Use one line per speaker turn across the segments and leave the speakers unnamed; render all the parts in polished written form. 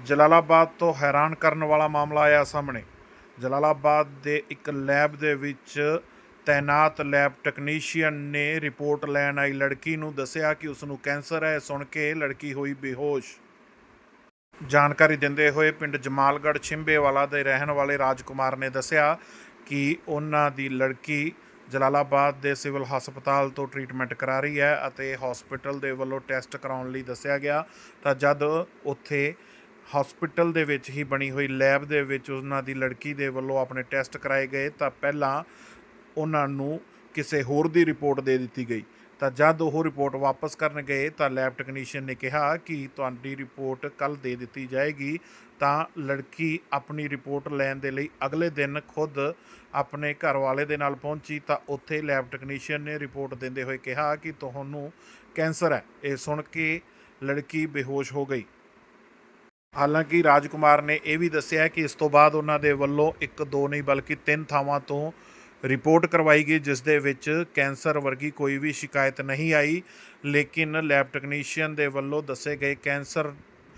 ਜਲਾਲਾਬਾਦ ਤੋਂ ਹੈਰਾਨ ਕਰਨ ਵਾਲਾ ਮਾਮਲਾ ਆਇਆ ਸਾਹਮਣੇ। ਜਲਾਲਾਬਾਦ ਦੇ ਇੱਕ ਲੈਬ ਦੇ ਵਿੱਚ ਤੈਨਾਤ ਲੈਬ ਟੈਕਨੀਸ਼ੀਅਨ ਨੇ ਰਿਪੋਰਟ ਲੈਣ ਆਈ ਲੜਕੀ ਨੂੰ ਦੱਸਿਆ ਕਿ ਉਸ ਨੂੰ ਕੈਂਸਰ ਹੈ। ਸੁਣ ਕੇ ਲੜਕੀ ਹੋਈ ਬੇਹੋਸ਼। ਜਾਣਕਾਰੀ ਦਿੰਦੇ ਹੋਏ ਪਿੰਡ ਜਮਾਲਗੜ੍ਹ ਛਿੰਬੇਵਾਲਾ ਦੇ ਰਹਿਣ ਵਾਲੇ ਰਾਜਕੁਮਾਰ ਨੇ ਦੱਸਿਆ ਕਿ ਉਹਨਾਂ ਦੀ ਲੜਕੀ ਜਲਾਲਾਬਾਦ ਦੇ ਸਿਵਲ ਹਸਪਤਾਲ ਤੋਂ ਟ੍ਰੀਟਮੈਂਟ ਕਰਾ ਰਹੀ ਹੈ ਅਤੇ ਹਸਪੀਟਲ ਦੇ ਵੱਲੋਂ ਟੈਸਟ ਕਰਾਉਣ ਲਈ ਦੱਸਿਆ ਗਿਆ ਤਾਂ ਜਦ ਉੱਥੇ ਹਸਪੀਟਲ ਦੇ ਵਿੱਚ ਹੀ ਬਣੀ ਹੋਈ ਲੈਬ ਦੇ ਵਿੱਚ ਉਹਨਾਂ ਦੀ ਲੜਕੀ ਦੇ ਵੱਲੋਂ ਆਪਣੇ ਟੈਸਟ ਕਰਾਏ ਗਏ ਤਾਂ ਪਹਿਲਾਂ ਉਹਨਾਂ ਨੂੰ ਕਿਸੇ ਹੋਰ ਦੀ ਰਿਪੋਰਟ ਦੇ ਦਿੱਤੀ ਗਈ। ਤਾਂ ਜਦ ਉਹ ਰਿਪੋਰਟ ਵਾਪਸ ਕਰਨ ਗਏ ਤਾਂ ਲੈਬ ਟੈਕਨੀਸ਼ੀਅਨ ਨੇ ਕਿਹਾ ਕਿ ਤੁਹਾਡੀ ਰਿਪੋਰਟ ਕੱਲ੍ਹ ਦੇ ਦਿੱਤੀ ਜਾਏਗੀ। ਤਾਂ ਲੜਕੀ ਆਪਣੀ ਰਿਪੋਰਟ ਲੈਣ ਦੇ ਲਈ ਅਗਲੇ ਦਿਨ ਖੁਦ ਆਪਣੇ ਘਰ ਵਾਲੇ ਦੇ ਨਾਲ ਪਹੁੰਚੀ ਤਾਂ ਉੱਥੇ ਲੈਬ ਟੈਕਨੀਸ਼ੀਅਨ ਨੇ ਰਿਪੋਰਟ ਦਿੰਦੇ ਹੋਏ ਕਿਹਾ ਕਿ ਤੁਹਾਨੂੰ ਕੈਂਸਰ ਹੈ। ਇਹ ਸੁਣ ਕੇ ਲੜਕੀ ਬੇਹੋਸ਼ ਹੋ ਗਈ। ਹਾਲਾਂਕਿ ਰਾਜਕੁਮਾਰ ਨੇ ਇਹ ਵੀ ਦੱਸਿਆ ਕਿ ਇਸ ਤੋਂ ਬਾਅਦ ਉਹਨਾਂ ਦੇ ਵੱਲੋਂ 1-2 ਨਹੀਂ ਬਲਕਿ 3 ਥਾਵਾਂ ਤੋਂ ਰਿਪੋਰਟ ਕਰਵਾਈ ਗਈ ਜਿਸ ਦੇ ਵਿੱਚ ਕੈਂਸਰ ਵਰਗੀ ਕੋਈ ਵੀ ਸ਼ਿਕਾਇਤ ਨਹੀਂ ਆਈ। ਲੇਕਿਨ ਲੈਬ ਟੈਕਨੀਸ਼ੀਅਨ ਦੇ ਵੱਲੋਂ ਦੱਸੇ ਗਏ ਕੈਂਸਰ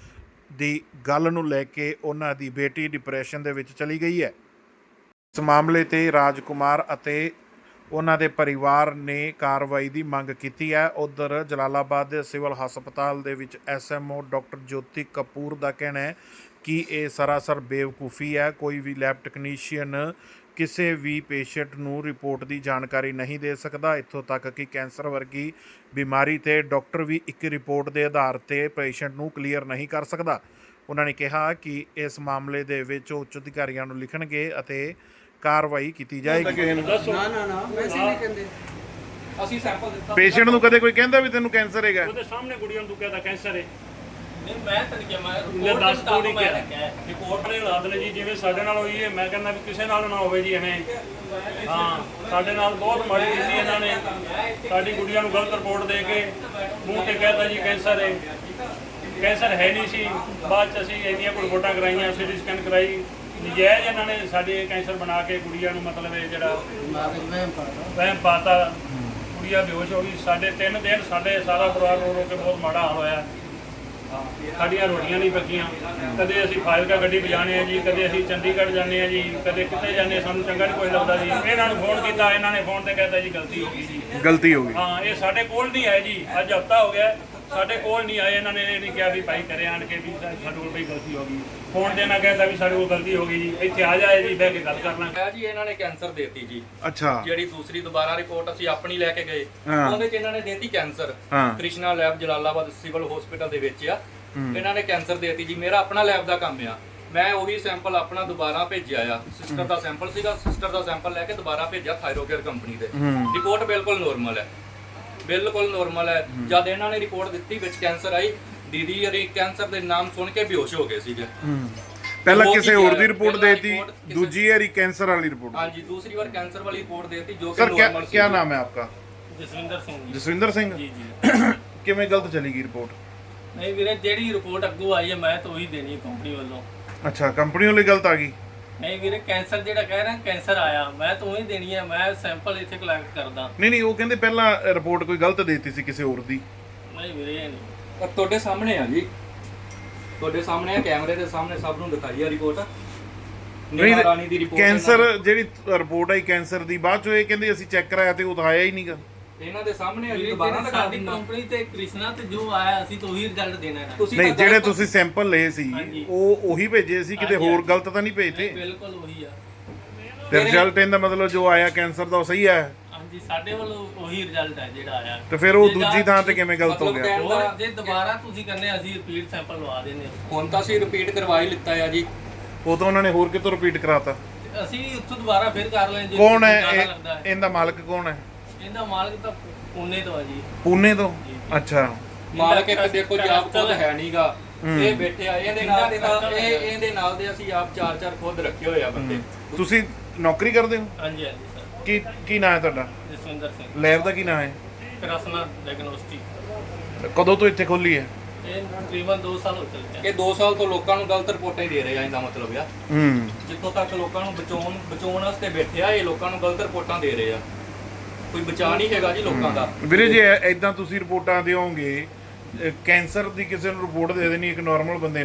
ਦੀ ਗੱਲ ਨੂੰ ਲੈ ਕੇ ਉਹਨਾਂ ਦੀ ਬੇਟੀ ਡਿਪਰੈਸ਼ਨ ਦੇ ਵਿੱਚ ਚਲੀ ਗਈ ਹੈ। ਇਸ ਮਾਮਲੇ 'ਤੇ ਰਾਜਕੁਮਾਰ ਅਤੇ ਉਹਨਾਂ ਦੇ ਪਰਿਵਾਰ ਨੇ ਕਾਰਵਾਈ ਦੀ ਮੰਗ ਕੀਤੀ ਹੈ। ਉੱਧਰ ਜਲਾਲਾਬਾਦ ਦੇ ਸਿਵਲ ਹਸਪਤਾਲ ਦੇ ਵਿੱਚ SMO ਡਾਕਟਰ ਜੋਤੀ ਕਪੂਰ ਦਾ ਕਹਿਣਾ ਹੈ ਕਿ ਇਹ ਸਰਾਸਰ ਬੇਵਕੂਫੀ ਹੈ। ਕੋਈ ਵੀ ਲੈਬ ਟੈਕਨੀਸ਼ੀਅਨ ਕਿਸੇ ਵੀ ਪੇਸ਼ੈਂਟ ਨੂੰ ਰਿਪੋਰਟ ਦੀ ਜਾਣਕਾਰੀ ਨਹੀਂ ਦੇ ਸਕਦਾ। ਇੱਥੋਂ ਤੱਕ ਕਿ ਕੈਂਸਰ ਵਰਗੀ ਬਿਮਾਰੀ 'ਤੇ ਡਾਕਟਰ ਵੀ ਇੱਕ ਰਿਪੋਰਟ ਦੇ ਆਧਾਰ 'ਤੇ ਪੇਸ਼ੈਂਟ ਨੂੰ ਕਲੀਅਰ ਨਹੀਂ ਕਰ ਸਕਦਾ। ਉਹਨਾਂ ਨੇ ਕਿਹਾ ਕਿ ਇਸ ਮਾਮਲੇ ਦੇ ਵਿੱਚ ਉੱਚ ਅਧਿਕਾਰੀਆਂ ਨੂੰ ਲਿਖਣਗੇ ਅਤੇ ਕਾਰਵਾਈ ਕੀਤੀ ਜਾਏਗੀ।
ਨਾ ਵੈਸੇ ਨਹੀਂ ਕਹਿੰਦੇ। ਅਸੀਂ ਸੈਂਪਲ ਦਿੱਤਾ
ਪੇਸ਼ੈਂਟ ਨੂੰ ਕਦੇ ਕੋਈ ਕਹਿੰਦਾ ਵੀ ਤੈਨੂੰ ਕੈਂਸਰ ਹੈਗਾ?
ਉਹਦੇ ਸਾਹਮਣੇ ਕੁੜੀਆਂ ਨੂੰ ਤੂੰ ਕਹਿੰਦਾ ਕੈਂਸਰ ਹੈ।
ਨਹੀਂ ਮੈਂ ਤਾਂ ਨਹੀਂ ਕਿਹਾ, ਮੈਂ
ਲੈ ਦੱਸ ਤੂੰ ਨਹੀਂ
ਮੈਂ
ਕਿਹਾ।
ਰੱਖਿਆ
ਰਿਪੋਰਟ ਨੇ ਹਾਲਾਤ ਨੇ ਜੀ ਜਿਵੇਂ ਸਾਡੇ ਨਾਲ ਹੋਈ ਹੈ, ਮੈਂ ਕਹਿੰਦਾ ਵੀ ਕਿਸੇ ਨਾਲ ਨਾ ਹੋਵੇ ਜੀ ਐਵੇਂ। ਹਾਂ ਸਾਡੇ ਨਾਲ ਬਹੁਤ ਮਾੜੀ ਕੀਤੀ ਇਹਨਾਂ ਨੇ। ਸਾਡੀ ਕੁੜੀਆਂ ਨੂੰ ਗਲਤ ਰਿਪੋਰਟ ਦੇ ਕੇ ਮੂੰਹ ਤੇ ਕਹਿਤਾ ਜੀ ਕੈਂਸਰ ਹੈ। ਕੈਂਸਰ ਹੈ ਨਹੀਂ ਸੀ। ਬਾਅਦ 'ਚ ਅਸੀਂ ਇੰਨੀਆਂ ਰਿਪੋਰਟਾਂ ਕਰਾਈਆਂ, CT ਸਕੈਨ ਕਰਾਈ। ਨਜਾਇਜ਼ ਇਹਨਾਂ ਨੇ ਸਾਡੇ ਕੈਂਸਰ ਬਣਾ ਕੇ ਕੁੜੀਆਂ ਨੂੰ ਮਤਲਬ ਇਹ ਜਿਹੜਾ ਵਹਿਮ ਪਾਤਾ। ਕੁੜੀਆਂ ਬੇਹੋਸ਼ ਹੋ ਗਈ। ਸਾਡੇ 3 ਦਿਨ ਸਾਡੇ ਸਾਰਾ ਪਰਿਵਾਰ ਰੋ ਕੇ ਬਹੁਤ ਮਾੜਾ ਹਾਲ ਹੋਇਆ। ਸਾਡੀਆਂ ਰੋਟੀਆਂ ਨਹੀਂ ਪੱਕੀਆਂ। ਕਦੇ ਅਸੀਂ ਫਾਜ਼ਿਲਕਾ ਗੱਡੀ ਵਜਾਣੇ ਆ ਜੀ, ਕਦੇ ਅਸੀਂ ਚੰਡੀਗੜ੍ਹ ਜਾਂਦੇ ਆ ਜੀ, ਕਦੇ ਕਿਤੇ ਜਾਂਦੇ, ਸਾਨੂੰ ਚੰਗਾ ਨਹੀਂ ਕੁਝ ਲੱਗਦਾ ਜੀ। ਇਹਨਾਂ ਨੂੰ ਫੋਨ ਕੀਤਾ, ਇਹਨਾਂ ਨੇ ਫੋਨ ਤੇ ਕਹਿਤਾ ਜੀ ਗਲਤੀ ਹੋ ਗਈ ਜੀ।
ਗਲਤੀ ਹੋ ਗਈ।
ਹਾਂ ਇਹ ਸਾਡੇ ਕੋਲ ਨਹੀਂ ਆਏ ਜੀ। ਅੱਜ ਹਫ਼ਤਾ ਹੋ ਗਿਆ ਸਾਡੇ ਕੋਲ ਨਹੀਂ ਆਏ। ਇਹਨਾਂ ਨੇ ਇਹ ਨਹੀਂ ਕਿਹਾ ਵੀ ਭਾਈ ਕਰੇ ਆਣ ਕੇ ਵੀ ਸਾਡੇ ਕੋਲ ਕੋਈ ਗਲਤੀ ਹੋ ਗਈ। ਫੋਨ ਤੇ ਨਾ ਕਹਿਤਾ ਵੀ ਸਾਡੇ ਕੋਲ ਗਲਤੀ ਹੋ ਗਈ ਜੀ, ਇੱਥੇ ਆ ਜਾਏ ਜੀ, ਬਹਿ ਕੇ ਗੱਲ ਕਰ ਲਾਂਗੇ
ਜੀ। ਇਹਨਾਂ ਨੇ ਕੈਂਸਰ ਦੇਤੀ ਜੀ।
ਅੱਛਾ।
ਜਿਹੜੀ ਦੂਸਰੀ ਦੁਬਾਰਾ ਰਿਪੋਰਟ ਅਸੀਂ ਆਪਣੀ ਲੈ ਕੇ ਗਏ, ਉਹਦੇ 'ਚ ਇਹਨਾਂ ਨੇ ਦੇਤੀ ਕੈਂਸਰ।
ਹਾਂ।
Krishna lab Jalalabad civil hospital ਦੇ ਵਿੱਚ ਆ। ਇਹਨਾਂ ਨੇ ਕੈਂਸਰ ਦੇਤੀ ਜੀ। ਮੇਰਾ ਆਪਣਾ ਲੈਬ ਦਾ ਕੰਮ ਆ। ਮੈਂ ਉਹੀ ਸੈਂਪਲ ਆਪਣਾ ਦੁਬਾਰਾ ਭੇਜਿਆ ਆ। ਸਿਸਟਰ ਦਾ ਸੈਂਪਲ ਸੀਗਾ, ਸਿਸਟਰ ਦਾ ਸੈਂਪਲ ਲੈ ਕੇ ਦੁਬਾਰਾ ਭੇਜਿਆ ਥਾਇਰੋਕੇਅਰ ਕੰਪਨੀ ਦੇ। ਰਿਪੋਰਟ ਬਿਲਕੁਲ ਨੋਰਮਲ ਹੈ, ਬਿਲਕੁਲ ਨੋਰਮਲ ਹੈ। ਜਦ ਇਹਨਾਂ ਨੇ ਰਿਪੋਰਟ ਦਿੱਤੀ ਵਿੱਚ ਕੈਂਸਰ ਆਈ, ਦੀਦੀ ਯਾਰੀ ਕੈਂਸਰ ਦੇ ਨਾਮ ਸੁਣ ਕੇ ਬੇਹੋਸ਼ ਹੋ ਗਏ ਸੀਗੇ।
ਪਹਿਲਾਂ ਕਿਸੇ ਹੋਰ ਦੀ ਰਿਪੋਰਟ ਦੇਤੀ, दूसरी वाली कैंसर वाली रिपोर्ट।
हाँ जी, दूसरी बार कैंसर वाली रिपोर्ट देती जो
सर क्या नाम है आपका?
ਜਸਵਿੰਦਰ ਸਿੰਘ ਜੀ।
जसविंदर सिंह।
ਜੀ ਜੀ।
ਕਿਵੇਂ ਗਲਤ ਚਲੀ ਗਈ ਰਿਪੋਰਟ?
ਨਹੀਂ ਵੀਰੇ, ਜਿਹੜੀ ਰਿਪੋਰਟ ਅੱਗੋਂ ਆਈ ਹੈ ਮੈਂ ਤਾਂ ਉਹੀ ਦੇਣੀ ਹੈ ਕੰਪਨੀ ਵੱਲੋਂ।
ਅੱਛਾ, ਕੰਪਨੀ ਵਾਲੀ ਗਲਤ ਆ ਗਈ।
ਨਹੀਂ ਵੀਰੇ, ਕੈਂਸਰ ਜਿਹੜਾ ਕਹਿ ਰਹੇ ਕੈਂਸਰ ਆਇਆ, ਮੈਂ ਤਾਂ ਉਹੀ ਦੇਣੀ ਹੈ। ਮੈਂ ਸੈਂਪਲ ਇੱਥੇ ਕਲੈਕਟ ਕਰਦਾ।
ਨਹੀਂ ਉਹ ਕਹਿੰਦੇ ਪਹਿਲਾਂ ਰਿਪੋਰਟ ਕੋਈ ਗਲਤ ਦੇਤੀ ਸੀ ਕਿਸੇ ਹੋਰ ਦੀ।
ਨਹੀਂ ਵੀਰੇ, ਇਹ ਨਹੀਂ।
ਪਰ ਤੁਹਾਡੇ ਸਾਹਮਣੇ ਆ ਜੀ, ਤੁਹਾਡੇ ਸਾਹਮਣੇ ਆ, ਕੈਮਰੇ ਦੇ ਸਾਹਮਣੇ ਸਭ ਨੂੰ ਦਿਖਾਈ ਆ ਰਿਪੋਰਟ।
ਨਹੀਂ
ਰਾਣੀ ਦੀ ਰਿਪੋਰਟ
ਕੈਂਸਰ ਜਿਹੜੀ ਰਿਪੋਰਟ ਆਈ ਕੈਂਸਰ ਦੀ, ਬਾਅਦ ਚੋਂ ਇਹ ਕਹਿੰਦੇ ਅਸੀਂ ਚੈੱਕ ਕਰਾਇਆ ਤੇ ਉਹ ਤਾਂ ਆਇਆ ਹੀ ਨਹੀਂਗਾ।
ਇਹਨਾਂ ਦੇ ਸਾਹਮਣੇ ਆ ਜੀ।
ਵੀਰੇ,
ਦੁਬਾਰਾ
ਜਿਹੜੀ
ਦਿਖਾ
ਸਾਡੀ
ਦਿੰਦਾ।
ਕੰਪਨੀ ਤੇ ਕ੍ਰਿਸ਼ਨਾ ਤੇ ਜੋ ਆਇਆ ਅਸੀਂ ਤਾਂ ਉਹੀ ਰਿਜ਼ਲਟ ਦੇਣਾ ਹੈ।
ਤੁਸੀਂ
ਨਹੀਂ
ਤਾਂ
ਜਿਹੜੇ
ਗਲਤ-
ਤੁਸੀਂ ਸੈਂਪਲ ਲਏ ਸੀ
ਹਾਂਜੀ।
ਉਹ ਉਹੀ ਭੇਜੇ ਸੀ, ਕਿਤੇ
ਹਾਂਜੀ,
ਹੋਰ ਗਲਤ ਤਾਂ ਨਹੀਂ ਭੇਜਤੇ?
ਬਿਲਕੁਲ ਉਹੀ ਆ।
ਤੇ ਰਿਜ਼ਲਟ ਇਹਦਾ ਮਤਲਬ ਜੋ ਆਇਆ ਕੈਂਸਰ ਦਾ ਉਹ ਸਹੀ ਹੈ।
ਹਾਂਜੀ, ਸਾਡੇ ਵੱਲੋਂ ਉਹੀ ਰਿਜ਼ਲਟ ਹੈ ਜਿਹੜਾ ਆਇਆ।
ਤੇ ਫਿਰ ਉਹ
ਜੇ
ਦੂਜੀ ਥਾਂ ਤੇ ਕਿਵੇਂ ਗਲਤ ਹੋ
ਮਤਲਬ
ਗਿਆ?
ਹੋਰ ਜੇ ਦੁਬਾਰਾ ਤੁਸੀਂ ਕਰਨੇ ਅਸੀਂ ਰਿਪੀਟ ਸੈਂਪਲ ਲਵਾ ਦਿੰਦੇ ਹਾਂ।
ਹੁਣ ਤਾਂ ਅਸੀਂ ਰਿਪੀਟ ਕਰਵਾ ਹੀ ਲਿੱਤਾ ਆ ਜੀ।
ਉਹ ਤਾਂ ਉਹਨਾਂ ਨੇ ਹੋਰ ਕਿਤੋਂ ਰਿਪੀਟ ਕਰਾਤਾ।
ਤੇ ਅਸੀਂ ਉੱਥੋਂ ਦੁਬਾਰਾ ਫਿਰ ਕਰ ਲੈਂਦੇ।
ਕੌਣ ਹੈ ਇਹਦਾ ਮਾਲਕ? ਕੌਣ ਹੈ
ਇਹਦਾ ਮਾਲਕ? ਤਾਂ ਪੁਣੇ ਤੋਂ ਆ ਜੀ।
ਪੂਨੇ ਤੋਂ? ਅੱਛਾ।
ਮਾਲਕ ਇੱਕ ਦੇਖੋ ਜੀ ਆਪ ਖੁਦ ਹੈ ਨਹੀਂਗਾ। ਇਹ ਬੈਠੇ ਆ ਇਹਦੇ ਨਾਲ ਦੇ ਇਹਦੇ ਨਾਲ ਦੇ ਅਸੀਂ ਆਪ 4 ਖੁਦ ਰੱਖੇ ਹੋਏ ਆ ਬੰਦੇ।
ਤੁਸੀਂ ਨੌਕਰੀ ਕਰਦੇ ਹੋ?
ਹਾਂਜੀ ਸਰ।
ਕੀ ਨਾਂ ਹੈ ਤੁਹਾਡਾ?
ਜਸਵਿੰਦਰ ਸਿੰਘ।
ਲੈਬ ਦਾ ਕੀ ਨਾਂ ਹੈ?
ਕ੍ਰਿਸ਼ਨਾ ਡਾਇਗਨੋਸਟਿਕ।
ਕਦੋਂ ਤੋਂ ਇੱਥੇ ਖੋਲੀ ਹੈ?
ਇਹ ਤਕਰੀਬਨ 2 ਸਾਲ ਹੋ ਚੁੱਕੇ
ਇਹ 2 ਸਾਲ ਤੋਂ ਲੋਕਾਂ ਨੂੰ ਗਲਤ ਰਿਪੋਰਟਾਂ ਹੀ ਦੇ ਰਹੇ ਆ। ਇਹਦਾ ਮਤਲਬ ਆ
ਹੂੰ।
ਜਿੱਥੋਂ ਤੱਕ ਲੋਕਾਂ ਨੂੰ ਬਚਾਉਣ ਵਾਸਤੇ ਬੈਠੇ ਆ, ਇਹ ਲੋਕਾਂ ਨੂੰ ਗਲਤ ਰਿਪੋਰਟਾਂ ਦੇ ਰਹੇ ਆ। ਕੋਈ ਬਚਾ ਨਹੀਂ ਹੈਗਾ ਜੀ ਲੋਕਾਂ ਦਾ।
ਵੀਰੇ ਜੇ ਇਦਾਂ ਤੁਸੀਂ ਰਿਪੋਰਟਾਂ ਦਿਓਗੇ, ਕੈਂਸਰ ਦੀ ਕਿਸੇ ਨੂੰ ਰਿਪੋਰਟ ਦੇ ਦੇਣੀ ਇੱਕ ਨਾਰਮਲ ਬੰਦੇ ਨੂੰ,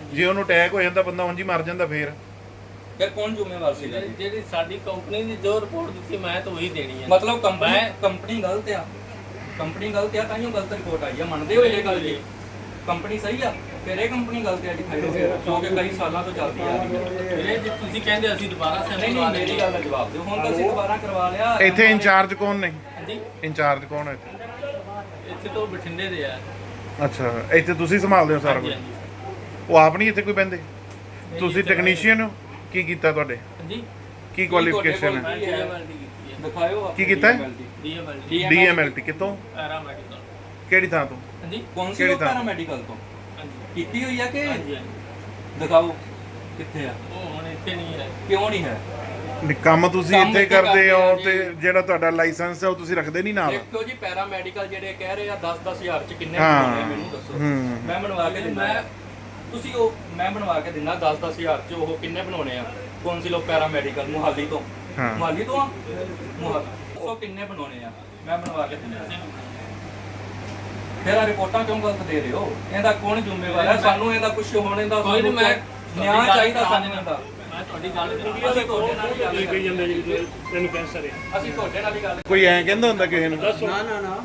ਜੇ ਉਹਨੂੰ ਅਟੈਕ ਹੋ ਜਾਂਦਾ ਬੰਦਾ ਉਂਝ ਹੀ ਮਰ ਜਾਂਦਾ ਫੇਰ
ਫਿਰ ਕੌਣ ਜ਼ਿੰਮੇਵਾਰ ਸੀਗਾ ਜੀ?
ਜਿਹੜੀ ਸਾਡੀ ਕੰਪਨੀ ਨੇ ਜੋ ਰਿਪੋਰਟ ਦਿੱਤੀ ਮੈਂ ਤਾਂ ਉਹੀ ਦੇਣੀ ਹੈ।
ਮਤਲਬ ਕੰਪਨੀ ਗਲਤ ਆ, ਕੰਪਨੀ ਗਲਤ ਆ ਤਾਂ ਹੀ ਉਹ ਗਲਤ ਰਿਪੋਰਟ ਆਈ ਆ, ਮੰਨਦੇ ਹੋ ਇਹ ਗੱਲ ਜੀ? ਕੰਪਨੀ ਸਹੀ ਆ ਫਿਰ ਇਹ ਕੰਪਨੀ ਗਲਤ ਆ ਜੀ ਥਾਈਰੋਕੇਅਰ, ਕਿਉਂਕਿ ਕਈ ਸਾਲਾਂ ਤੋਂ ਚੱਲਦੀ ਆ ਰਹੀ ਹੈ।
ਇਹ ਜੇ ਤੁਸੀਂ ਕਹਿੰਦੇ ਅਸੀਂ ਦੁਬਾਰਾ
ਨਹੀਂ
ਸੈਂਪਲ
ਨਹੀਂ ਮੇਰੀ ਗੱਲ ਦਾ ਜਵਾਬ ਦਿਓ, ਹੁਣ ਤਾਂ ਅਸੀਂ ਦੁਬਾਰਾ ਕਰਵਾ ਲਿਆ।
ਇੱਥੇ ਇੰਚਾਰਜ ਕੌਣ ਨੇ?
ਹਾਂਜੀ,
ਇੰਚਾਰਜ ਕੌਣ ਹੈ ਇੱਥੇ?
ਇੱਥੇ ਤੋਂ ਬਠਿੰਡੇ ਦੇ ਆ।
ਅੱਛਾ, ਇੱਥੇ ਤੁਸੀਂ ਸੰਭਾਲਦੇ ਹੋ ਸਾਰਾ ਕੁਝ? ਉਹ ਆਪ ਨਹੀਂ ਇੱਥੇ ਕੋਈ ਬਹਿੰਦੇ? ਤੁਸੀਂ ਟੈਕਨੀਸ਼ੀਅਨ ਹੋ? ਕੀ ਕੀਤਾ ਤੁਹਾਡੇ?
ਹਾਂਜੀ,
ਕੀ ਕੁਆਲੀਫਿਕੇਸ਼ਨ ਹੈ?
ਮੈਂ ਡੀਐਮਐਲਟੀ ਕੀਤੀ ਹੈ।
ਦਿਖਾਇਓ
ਕੀ ਕੀਤਾ ਹੈ?
ਡੀਐਮਐਲਟੀ
DMLT ਕਿਤੋਂ?
ਪੈਰਾਮੈਡੀਕਲ।
ਕਿਹੜੀ ਥਾਂ ਤੋਂ?
ਹਾਂਜੀ
ਕੌਣ ਸੀ
ਕਿਹੜੀ
ਉਹ
ਥਾਂ?
ਪੈਰਾਮੈਡੀਕਲ ਤੋਂ
ਹਾਂਜੀ
ਕੀਤੀ ਹੋਈ ਆ ਕਿ?
ਹਾਂਜੀ ਹਾਂਜੀ।
ਦਿਖਾਓ ਕਿੱਥੇ ਆ,
ਉਹ ਹੁਣ ਇੱਥੇ ਨਹੀਂ ਹੈ।
ਕਿਉਂ ਨਹੀਂ ਹੈ?
ਨਹੀਂ, ਕੰਮ ਤੁਸੀਂ
ਕੰਮ
ਇੱਥੇ
ਇੱਥੇ
ਕਰਦੇ ਹੋ
ਕਰਦੇ ਆ
ਤੇ
ਜੀ।
ਜਿਹੜਾ ਤੁਹਾਡਾ ਲਾਇਸੈਂਸ ਹੈ ਉਹ ਤੁਸੀਂ ਰੱਖਦੇ ਨਹੀਂ ਨਾਲ?
ਦੇਖੋ ਜੀ ਪੈਰਾਮੈਡੀਕਲ ਜਿਹੜੇ ਕਹਿ ਰਹੇ ਆ 10-10 ਹਜ਼ਾਰ ਚ ਕਿੰਨੇ
ਹਾਂ।
ਬਣਾਉਣੇ ਆ ਮੈਨੂੰ ਦੱਸੋ।
ਹੂੰ।
ਮੈਂ ਬਣਵਾ ਕੇ ਦਿੰਦਾ, ਤੁਸੀਂ ਉਹ ਮੈਂ ਬਣਵਾ ਕੇ ਦਿੰਦਾ 10-10 ਹਜ਼ਾਰ ਚ ਉਹ ਕਿੰਨੇ ਬਣਾਉਣੇ ਆ? ਕੌਂਸਿਲ ਆਫ ਪੈਰਾਮੈਡੀਕਲ ਮੁਹਾਲੀ ਤੋਂ।
ਹਾਂ।
ਮੁਹਾਲੀ ਤੋਂ ਆ? ਮੁਹਾਲੀ ਉਹ ਕਿੰਨੇ ਬਣਾਉਣੇ ਆ? ਮੈਂ ਬਣਵਾ ਕੇ ਦਿੰਦਾ। ਫਿਰ ਆ ਰਿਪੋਰਟਾਂ ਕਿਉਂ ਗਲਤ ਦੇ ਰਹੇ ਹੋ? ਇਹਦਾ ਕੌਣ ਜ਼ਿੰਮੇਵਾਰ ਹੈ? ਸਾਨੂੰ ਇਹਦਾ ਕੁਝ ਹੋਣੇ ਦਾ
ਕੋਈ ਨਹੀਂ, ਮੈਂ
ਨਿਆਂ ਚਾਹੀਦਾ ਸਾਨੂੰ ਇਹਦਾ।
ਮੈਂ ਤੁਹਾਡੀ ਗੱਲ
ਅਸੀਂ ਤੁਹਾਡੇ ਨਾਲ ਹੀ ਗੱਲ
ਕਹੀ ਜਾਂਦੇ ਜੀ ਤੈਨੂੰ ਕੈਂਸਰ ਹੈ।
ਅਸੀਂ ਤੁਹਾਡੇ ਨਾਲ ਹੀ ਗੱਲ
ਕੋਈ ਐਂ ਕਹਿੰਦਾ ਹੁੰਦਾ ਕਿਸੇ ਨੂੰ?
ਦੱਸੋ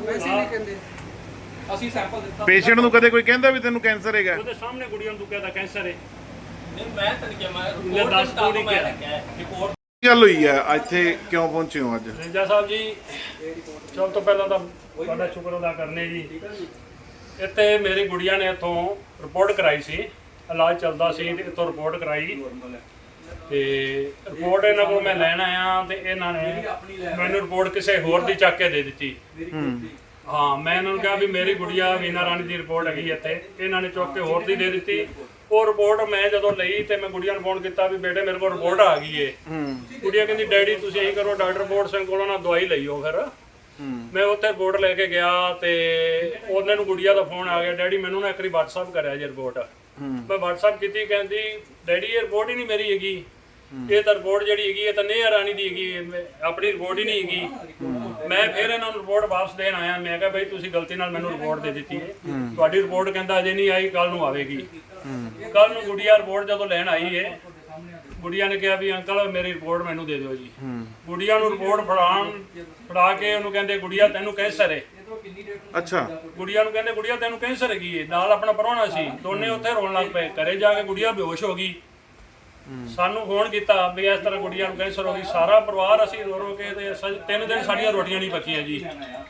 ਅਸੀਂ ਸੈਂਪਲ ਦਿੱਤਾ
ਪੇਸ਼ੈਂਟ ਨੂੰ ਕਦੇ ਕੋਈ ਕਹਿੰਦਾ ਵੀ ਤੈਨੂੰ ਕੈਂਸਰ ਹੈਗਾ?
ਉਹਦੇ ਸਾਹਮਣੇ ਕੁੜੀਆਂ ਨੂੰ ਤੂੰ ਕਹਿੰਦਾ ਕੈਂਸਰ ਹੈ।
ਨਹੀਂ, ਮੈਂ ਤਾਂ ਨਹੀਂ ਕਿਹਾ, ਮੈਂ
ਲੈ ਦੱਸ
ਰਿਪੋਰਟ
ਤੂੰ ਨਹੀਂ
ਮੈਂ
ਕਿਹਾ।
ਰੱਖਿਆ ਹੈ।
ਰਿਪੋਰਟ
ਕੀ ਗੱਲ ਹੋਈ ਹੈ ਇੱਥੇ, ਕਿਉਂ ਪਹੁੰਚੇ ਹੋ ਅੱਜ?
ਰਿੰਜਾ ਸਾਹਿਬ ਜੀ, ਸਭ ਤੋਂ ਪਹਿਲਾਂ ਤਾਂ ਤੁਹਾਡਾ ਸ਼ੁਕਰ ਅਦਾ ਕਰਨੇ ਜੀ। ਇੱਥੇ ਮੇਰੀ ਗੁੜੀਆ ਨੇ ਇੱਥੋਂ ਰਿਪੋਰਟ ਕਰਾਈ ਸੀ, ਇਲਾਜ ਚੱਲਦਾ ਸੀ ਤੇ ਇੱਥੋਂ ਰਿਪੋਰਟ ਕਰਾਈ ਤੇ ਰਿਪੋਰਟ ਇਹਨਾਂ ਕੋਲ ਮੈਂ ਲੈਣ ਆਇਆ ਤੇ ਇਹਨਾਂ ਨੇ ਮੈਨੂੰ ਰਿਪੋਰਟ ਕਿਸੇ ਹੋਰ ਦੀ ਚੱਕ ਕੇ ਦੇ ਦਿੱਤੀ। ਹਾਂ, ਮੈਂ ਇਹਨਾਂ ਨੂੰ ਕਿਹਾ ਵੀ ਮੇਰੀ ਗੁੜੀਆ ਵੀਨਾ ਰਾਣੀ ਦੀ ਰਿਪੋਰਟ ਹੈਗੀ ਇੱਥੇ, ਇਹਨਾਂ ਨੇ ਚੁੱਕ ਕੇ ਹੋਰ ਦੀ ਦੇ ਦਿੱਤੀ। ਉਹ ਰਿਪੋਰਟ ਮੈਂ ਜਦੋਂ ਲਈ ਤੇ ਮੈਂ ਗੁੜੀਆ ਨੂੰ ਫੋਨ ਕੀਤਾ ਵੀ ਬੇਟੇ ਮੇਰੇ ਕੋਲ ਰਿਪੋਰਟ ਆ ਗਈ ਏ। ਗੁੜੀਆ ਕਹਿੰਦੀ ਡੈਡੀ ਤੁਸੀਂ ਇਹੀ ਕਰੋ, ਡਾਕਟਰ ਬੋਰਡ ਸਿੰਘ ਕੋਲੋਂ ਨਾ ਦਵਾਈ ਲਈਓ। ਫਿਰ ਮੈਂ ਉੱਥੇ ਰਿਪੋਰਟ ਲੈ ਕੇ ਗਿਆ ਤੇ ਉਹਨਾਂ ਨੂੰ ਗੁੜੀਆ ਦਾ ਫੋਨ ਆ ਗਿਆ, ਡੈਡੀ ਮੈਨੂੰ ਨਾ ਇੱਕ ਵਾਰੀ WhatsApp ਕਰਿਆ ਜੀ ਰਿਪੋਰਟ। ਮੈਂ WhatsApp ਕੀਤੀ, ਕਹਿੰਦੀ ਡੈਡੀ ਇਹ ਰਿਪੋਰਟ ਹੀ ਨਹੀਂ ਮੇਰੀ ਹੈਗੀ, ਇਹ ਤਾਂ ਰਿਪੋਰਟ ਜਿਹੜੀ ਹੈਗੀ ਇਹ ਤਾਂ ਨੇਹਾ ਰਾਣੀ ਦੀ ਹੈਗੀ, ਆਪਣੀ ਰਿਪੋਰਟ ਹੀ ਨਹੀਂ ਹੈਗੀ। ਮੈਂ ਫਿਰ ਇਹਨਾਂ ਨੂੰ ਰਿਪੋਰਟ ਵਾਪਸ ਦੇਣ ਆਇਆ। ਮੈਂ ਕਿਹਾ ਬਈ ਤੁਸੀਂ ਗਲਤੀ ਨਾਲ ਮੈਨੂੰ ਰਿਪੋਰਟ ਦੇ ਦਿੱਤੀ ਹੈ, ਤੁਹਾਡੀ ਰਿਪੋਰਟ ਕਹਿੰਦਾ ਅਜੇ ਨਹੀਂ ਆਈ, ਕੱਲ ਨੂੰ ਆਵੇਗੀ। ਕੱਲ ਨੂੰ ਗੁੜੀਆ ਰਿਪੋਰਟ ਜਦੋਂ ਲੈਣ ਆਈ ਹੈ, ਗੁੜੀਆ ਨੇ ਕਿਹਾ ਵੀ ਅੰਕਲ ਮੇਰੀ ਰਿਪੋਰਟ ਮੈਨੂੰ ਦੇ ਦਿਓ ਜੀ। ਗੁੜੀਆ ਨੂੰ ਰਿਪੋਰਟ ਫੜਾ ਕੇ ਉਹਨੂੰ ਕਹਿੰਦੇ ਗੁੜੀਆ ਤੈਨੂੰ ਕੈਂਸਰ ਹੈ।
ਅੱਛਾ,
ਗੁੜੀਆ ਨੂੰ ਕਹਿੰਦੇ ਗੁੜੀਆ ਤੈਨੂੰ ਕੈਂਸਰ ਹੈਗੀ ਹੈ। ਨਾਲ ਆਪਣਾ ਪ੍ਰਾਹੁਣਾ ਸੀ, ਦੋਨੇ ਉੱਥੇ ਰੋਣ ਲੱਗ ਪਏ। ਘਰੇ ਜਾ ਕੇ ਗੁੜੀਆ ਬੇਹੋਸ਼ ਹੋ ਗਈ। ਸਾਨੂੰ ਫੋਨ ਕੀਤਾ ਵੀ ਇਸ ਤਰ੍ਹਾਂ ਗੁੜੀਆ ਨੂੰ ਕੈਂਸਰ ਹੋ ਗਈ। ਸਾਰਾ ਪਰਿਵਾਰ ਅਸੀਂ ਰੋ ਰੋ ਕੇ ਤੇ 3 ਦਿਨ ਸਾਡੀਆਂ ਰੋਟੀਆਂ ਨਹੀਂ ਪੱਕੀਆਂ ਜੀ।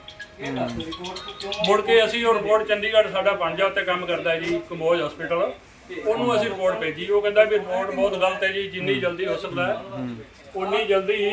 ਮੁੜ ਕੇ ਅਸੀਂ ਉਹ ਰਿਪੋਰਟ ਚੰਡੀਗੜ੍ਹ ਸਾਡਾ ਪੰਜਾ ਉੱਤੇ ਕੰਮ ਕਰਦਾ ਜੀ ਕੰਬੋਜ ਹਸਪੀਟਲ, ਉਹਨੂੰ ਅਸੀਂ ਰਿਪੋਰਟ ਭੇਜੀ। ਉਹ ਕਹਿੰਦਾ ਵੀ ਰਿਪੋਰਟ ਬਹੁਤ ਗਲਤ ਹੈ ਜੀ, ਜਿੰਨੀ ਜਲਦੀ ਹੋ ਸਕਦਾ ਹੈ ਉਨੀ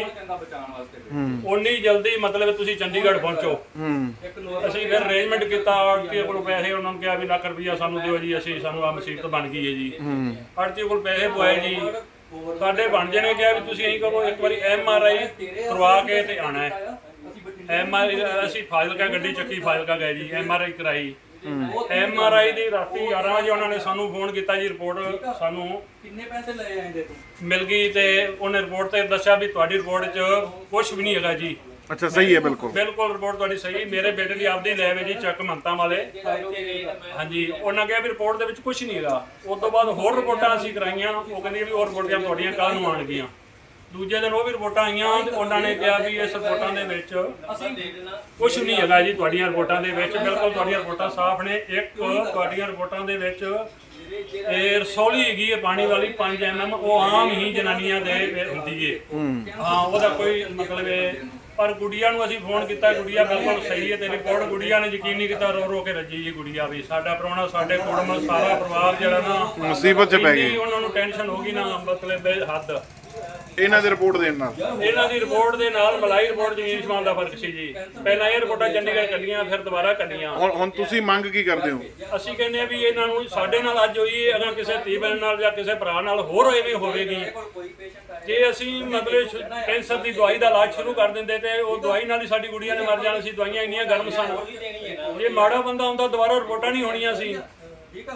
ਜਲਦੀ ਮਤਲਬ ਤੁਸੀਂ ਚੰਡੀਗੜ੍ਹ ਪਹੁੰਚੋ। ਅਸੀਂ ਫਿਰ ਅਰੇਂਜਮੈਂਟ ਕੀਤਾ, ਆੜਤੀ ਕੋਲ ਪੈਸੇ ਉਹਨਾਂ ਨੂੰ ਕਿਹਾ ਵੀ ਲੱਖ ਰੁਪਈਆ ਸਾਨੂੰ ਦਿਓ ਜੀ, ਅਸੀਂ ਸਾਨੂੰ ਆ ਮੁਸੀਬਤ ਬਣ ਗਈ ਹੈ ਜੀ। ਆੜਤੀ ਕੋਲ ਪੈਸੇ ਪਵਾਏ ਜੀ, ਸਾਡੇ ਬਣਜੇ ਨੇ ਕਿਹਾ ਵੀ ਤੁਸੀਂ ਇਹੀ ਕਰੋ ਇੱਕ ਵਾਰੀ MRI ਕਰਵਾ ਕੇ ਤੇ ਆਣਾ ਹੈ। MRI ਅਸੀਂ ਫਾਜ਼ਿਲਕਾ ਗੱਡੀ ਚੱਕੀ, ਫਾਜ਼ਿਲਕਾ ਗਏ ਜੀ, MRI ਕਰਾਈ। MRI ਦੀ ਰਾਤੀ 11 ਵਜੇ ਉਹਨਾਂ ਨੇ ਸਾਨੂੰ ਫੋਨ ਕੀਤਾ ਜੀ, ਰਿਪੋਰਟ ਸਾਨੂੰ
ਕਿੰਨੇ ਪੈਸੇ ਲਏ ਆਂਦੇ ਤੂੰ
ਮਿਲ ਗਈ ਤੇ ਉਹਨੇ ਰਿਪੋਰਟ ਤੇ ਦੱਸਿਆ ਵੀ ਤੁਹਾਡੀ ਰਿਪੋਰਟ 'ਚ ਕੁਝ ਵੀ ਨਹੀਂ ਹੈਗਾ ਜੀ।
ਅੱਛਾ, ਸਹੀ ਹੈ, ਬਿਲਕੁਲ
ਬਿਲਕੁਲ ਰਿਪੋਰਟ ਤੁਹਾਡੀ ਸਹੀ। ਮੇਰੇ ਬੇਟੇ ਦੀ ਆਪਦੀ ਲੈਬ ਹੈ ਜੀ ਚੱਕ ਮੰਤਾਂ ਵਾਲੇ। ਹਾਂਜੀ, ਉਹਨਾਂ ਕਿਹਾ ਵੀ ਰਿਪੋਰਟ ਦੇ ਵਿੱਚ ਕੁਝ ਨਹੀਂ ਹੈਗਾ। ਉਸ ਤੋਂ ਬਾਅਦ ਹੋਰ ਰਿਪੋਰਟਾਂ ਅਸੀਂ ਕਰਾਈਆਂ, ਉਹ ਕਹਿੰਦੀ ਵੀ ਉਹ ਰਿਪੋਰਟਾਂ ਤੁਹਾਡੀਆਂ ਕੱਲ ਨੂੰ ਆਉਣਗੀਆਂ। ਦੂਜੇ ਦਿਨ ਉਹ ਵੀ ਰਿਪੋਰਟਾਂ ਆਈਆਂ ਤੇ ਉਹਨਾਂ ਨੇ ਕਿਹਾ ਵੀ ਇਸ ਰਿਪੋਰਟਾਂ ਦੇ ਵਿੱਚ ਕੁਝ ਨਹੀਂ ਹੈਗਾ ਜੀ। ਤੁਹਾਡੀਆਂ ਰਿਪੋਰਟਾਂ ਦੇ ਵਿੱਚ ਬਿਲਕੁਲ ਤੁਹਾਡੀਆਂ ਰਿਪੋਰਟਾਂ ਸਾਫ਼ ਨੇ। ਇੱਕ ਤੁਹਾਡੀਆਂ ਰਿਪੋਰਟਾਂ ਦੇ ਵਿੱਚ ਇਹ ਰਸੌਲੀ ਹੈਗੀ ਹੈ ਪਾਣੀ ਵਾਲੀ 5 mm, ਉਹ ਆਮ ਹੀ ਜਨਾਨੀਆਂ ਦੇ ਹੁੰਦੀ ਹੈ। ਹਾਂ, ਉਹਦਾ ਕੋਈ ਮਤਲਬ ਹੈ। ਪਰ ਗੁੜੀਆ ਨੂੰ ਅਸੀਂ ਫੋਨ ਕੀਤਾ, ਗੁੜੀਆ ਬਿਲਕੁਲ ਸਹੀ ਹੈ ਤੇ ਰਿਪੋਰਟ ਗੁੜੀਆ ਨੇ ਯਕੀਨ ਨਹੀਂ ਕੀਤਾ, ਰੋ ਰੋ ਕੇ ਰੱਜੀ ਜੀ ਗੁੜੀਆ ਵੀ। ਸਾਡਾ ਪ੍ਰਾਹੁਣਾ, ਸਾਡੇ ਕੁੜਮ, ਸਾਰਾ ਪਰਿਵਾਰ ਜਿਹੜਾ ਨਾ
ਮੁਸੀਬਤ 'ਚ ਪੈ ਗਈ।
ਉਹਨਾਂ ਨੂੰ ਟੈਨਸ਼ਨ ਹੋ ਗਈ ਨਾ ਮਤਲਬ ਹੱਦ।
ਇਹਨਾਂ ਦੀ ਰਿਪੋਰਟ ਦੇਣ ਨਾਲ
ਇਹਨਾਂ ਦੀ ਰਿਪੋਰਟ ਦੇ ਨਾਲ ਮਲਾਈ ਰਿਪੋਰਟ ਜ਼ਮੀਨ ਸਮਾਨ ਦਾ ਫਰਕ ਸੀ ਜੀ। ਪਹਿਲਾਂ ਇਹ ਰਿਪੋਰਟਾਂ ਚੰਡੀਗੜ੍ਹ ਕੱਢੀਆਂ, ਫਿਰ ਦੁਬਾਰਾ ਕੱਢੀਆਂ।
ਹੁਣ ਤੁਸੀਂ ਮੰਗ ਕੀ ਕਰਦੇ ਹੋ?
ਅਸੀਂ ਕਹਿੰਦੇ ਆ ਵੀ ਇਹਨਾਂ ਨੂੰ ਸਾਡੇ ਨਾਲ ਅੱਜ ਹੋਈ ਹੈ, ਅਗਰ ਕਿਸੇ ਧੀ ਭੈਣ ਨਾਲ ਜਾਂ ਕਿਸੇ ਭਰਾ ਨਾਲ ਹੋਰ ਐਵੇਂ ਹੋਵੇਗੀ। ਜੇ ਅਸੀਂ ਮਤਲਬ ਕੈਂਸਰ ਦੀ ਦਵਾਈ ਦਾ ਇਲਾਜ ਸ਼ੁਰੂ ਕਰ ਦਿੰਦੇ ਤੇ ਉਹ ਦਵਾਈ ਨਾਲ ਹੀ ਸਾਡੀ ਗੁੜੀਆ ਨੇ ਮਰ ਜਾਣਾ ਸੀ। ਦਵਾਈਆਂ ਇੰਨੀਆਂ ਗਰਮ ਸਨ, ਜੇ ਮਾੜਾ ਬੰਦਾ ਹੁੰਦਾ ਦੁਬਾਰਾ ਰਿਪੋਰਟਾਂ ਨਹੀਂ ਹੋਣੀਆਂ ਸੀ।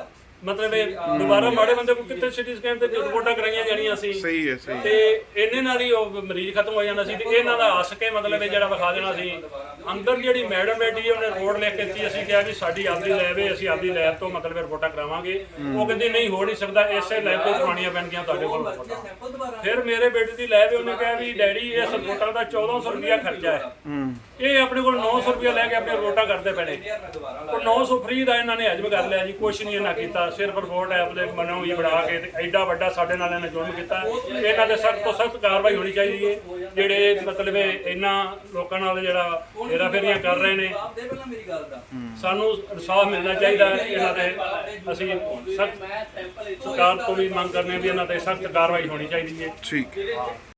ਮਤਲਬ ਇਹ ਦੁਬਾਰਾ ਮਾੜੇ ਬੰਦੇ ਕੋਲ ਕਿੱਥੇ ਸਿਟੀ ਸਕੈਨ ਤੇ ਰਿਪੋਰਟਾਂ ਕਰਾਈਆਂ ਜਾਣੀਆਂ ਸੀ।
ਸਹੀ ਹੈ ਸਹੀ।
ਤੇ ਇਹਨੇ ਨਾਲ ਹੀ ਉਹ ਮਰੀਜ਼ ਖਤਮ ਹੋ ਜਾਣਾ ਸੀ ਤੇ ਇਹਨਾਂ ਦਾ ਹੱਸ ਕੇ ਮਤਲਬ ਇਹ ਜਿਹੜਾ ਵਿਖਾ ਦੇਣਾ ਸੀ। ਅੰਦਰ ਜਿਹੜੀ ਮੈਡਮ ਬੈਠੀ ਉਹਨੇ ਰਿਪੋਰਟ ਲਿਖ ਕੇ ਦਿੱਤੀ, ਅਸੀਂ ਕਿਹਾ ਵੀ ਸਾਡੀ ਆਪਦੀ ਲੈਬ ਹੈ, ਅਸੀਂ ਆਪਦੀ ਲੈਬ ਤੋਂ ਮਤਲਬ ਰਿਪੋਰਟਾਂ ਕਰਾਵਾਂਗੇ। ਉਹ ਕਹਿੰਦੀ ਨਹੀਂ ਹੋ ਨਹੀਂ ਸਕਦਾ, ਇਸੇ ਲੈਬ ਤੋਂ ਕਰਵਾਉਣੀਆਂ ਪੈਣਗੀਆਂ ਤੁਹਾਡੇ ਕੋਲ ਰਿਪੋਰਟਾਂ। ਫਿਰ ਮੇਰੇ ਬੇਟੇ ਦੀ ਲੈਬ ਹੈ, ਉਹਨੇ ਕਿਹਾ ਵੀ ਡੈਡੀ ਇਸ ਰਿਪੋਰਟਾਂ ਦਾ 1400 ਰੁਪਇਆ ਖਰਚਾ ਹੈ, ਇਹ ਆਪਣੇ ਕੋਲ 900 ਰੁਪਇਆ ਲੈ ਕੇ ਆਪਣੀ ਰਿਪੋਰਟਾਂ ਕਰਦੇ ਪੈਣੇ। ਉਹ 900 ਫ੍ਰੀ ਦਾ ਇਹਨਾਂ ਨੇ ਹਜਮ ਕਰ ਲਿਆ ਜੀ, ਕੁਛ ਨਹੀਂ ਇਹਨਾਂ ਕੀਤਾ, ਸਿਰਫ ਰਿਪੋਰਟ ਐਪ ਦੇ ਮਨੋਂ ਹੀ ਬਣਾ ਕੇ ਤੇ ਐਡਾ ਵੱਡਾ ਸਾਡੇ ਨਾਲ ਇਹਨੇ ਜ਼ੁਲਮ ਕੀਤਾ। ਇਹਨਾਂ ਤੇ ਸਖਤ ਤੋਂ ਸਖਤ ਕਾਰਵਾਈ ਹੋਣੀ ਚਾਹੀਦੀ ਹੈ, ਜਿਹੜੇ ਮਤਲਬ ਇਹਨਾਂ ਲੋਕਾਂ ਨਾਲ ਜਿਹੜਾ ਹੇਰਾਫੇਰੀਆਂ ਕਰ ਰਹੇ ਨੇ। ਸਾਨੂੰ ਇਨਸਾਫ ਮਿਲਣਾ ਚਾਹੀਦਾ ਇਹਨਾਂ ਤੇ। ਅਸੀਂ ਸਖਤ ਸਰਕਾਰ ਤੋਂ ਵੀ ਮੰਗ ਕਰਨੇ ਵੀ ਇਹਨਾਂ ਤੇ ਸਖਤ ਕਾਰਵਾਈ ਹੋਣੀ ਚਾਹੀਦੀ ਹੈ।
ਠੀਕ।